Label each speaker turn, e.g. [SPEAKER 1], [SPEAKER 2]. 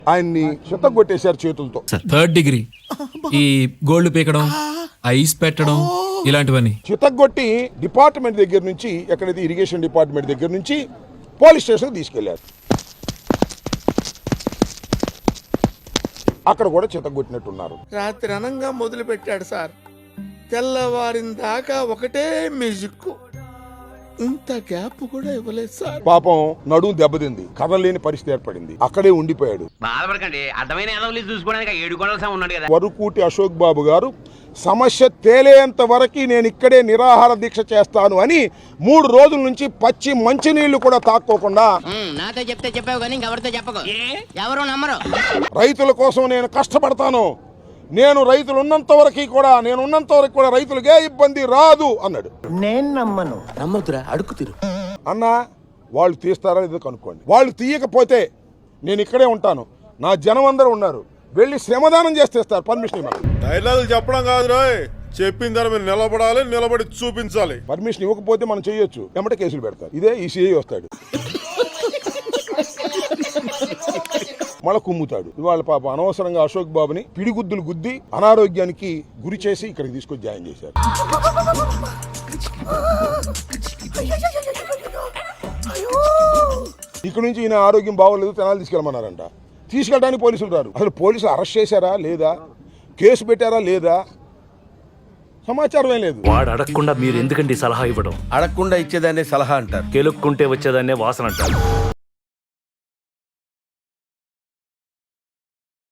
[SPEAKER 1] ఆయన్ని చిత్తగొట్టేశారు చేతులతో.
[SPEAKER 2] థర్డ్ డిగ్రీ ఈ గోల్డ్ పీకడం, ఐస్ పెట్టడం ఇలాంటివన్నీ
[SPEAKER 1] చిత్తగొట్టి డిపార్ట్మెంట్ దగ్గర నుంచి, ఎక్కడైతే ఇరిగేషన్ డిపార్ట్మెంట్ దగ్గర నుంచి పోలీస్ స్టేషన్కి తీసుకెళ్లారు. అక్కడ కూడా చిత్తగొట్టినట్టున్నారు.
[SPEAKER 3] రాత్రి అనంగా మొదలు పెట్టాడు సార్, తెల్లవారిన దాకా ఒకటే మ్యూజిక్. ఇంత గ్యాప్ కూడా ఇవ్వలేదు సార్.
[SPEAKER 1] పాపం నడుము దెబ్బతింది, కదలేని పరిస్థితి ఏర్పడింది. అక్కడే ఉండిపోయాడు.
[SPEAKER 4] బాధపడకండి, అర్థమైన చూసుకోవడానికి 7 గొడవలు ఉన్నాడు కదా.
[SPEAKER 1] వరుకూటి అశోక్ బాబు గారు సమస్య తేలేంత వరకు నేను ఇక్కడే నిరాహార దీక్ష చేస్తాను అని 3 రోజుల నుంచి పచ్చి మంచినీళ్లు కూడా తాక్కోకుండా,
[SPEAKER 5] నాతో చెప్తే చెప్పావు కానీ ఎవరితో చెప్పకు, ఎవరు నమ్మరు.
[SPEAKER 1] రైతుల కోసం నేను కష్టపడతాను, నేను రైతులు ఉన్నంత వరకు కూడా రైతులకే ఇబ్బంది రాదు అన్నాడు.
[SPEAKER 6] నేను నమ్మను. నమ్మదురా, అడుగు తీరు
[SPEAKER 1] అన్న. వాళ్ళు తీస్తారా లేదో కనుక్కోండి. వాళ్ళు తీయకపోతే నేను ఇక్కడే ఉంటాను, నా జనం అందరూ ఉన్నారు, వెళ్ళి శ్రమదానం చేస్తేస్తారు. పర్మిషన్ ఇవ్వాలి.
[SPEAKER 7] డైలాగులు చెప్పడం కాదు రాయ్, చెప్పిన దాని మీద నిలబడాలి, నిలబడి చూపించాలి.
[SPEAKER 1] పర్మిషన్ ఇవ్వకపోతే మనం చేయొచ్చు, ఎమ్మటే కేసులు పెడతారు. ఇదే ఈ సిఐ వస్తాడు, మళ్ళా కుమ్ముతాడు. ఇవాళ పాప అనవసరంగా అశోక్ బాబుని పిడిగుద్దులు గుద్ది అనారోగ్యానికి గురి చేసి ఇక్కడికి తీసుకొచ్చి జాయిన్ చేశారు. ఇక్కడ నుంచి ఈయన ఆరోగ్యం బాగోలేదు, తెనాలి తీసుకెళ్ళమన్నారంట. తీసుకెళ్ళడానికి పోలీసులు రారు. అసలు పోలీసులు అరెస్ట్ చేశారా లేదా, కేసు పెట్టారా లేదా, సమాచారం ఏం లేదు.
[SPEAKER 8] వాడు అడగకుండా మీరు ఎందుకండి సలహా ఇవ్వడం?
[SPEAKER 3] అడగకుండా ఇచ్చేదాన్ని సలహా అంటారు,
[SPEAKER 8] కెలుక్కుంటే వచ్చేదాన్నే వాసన అంటారు.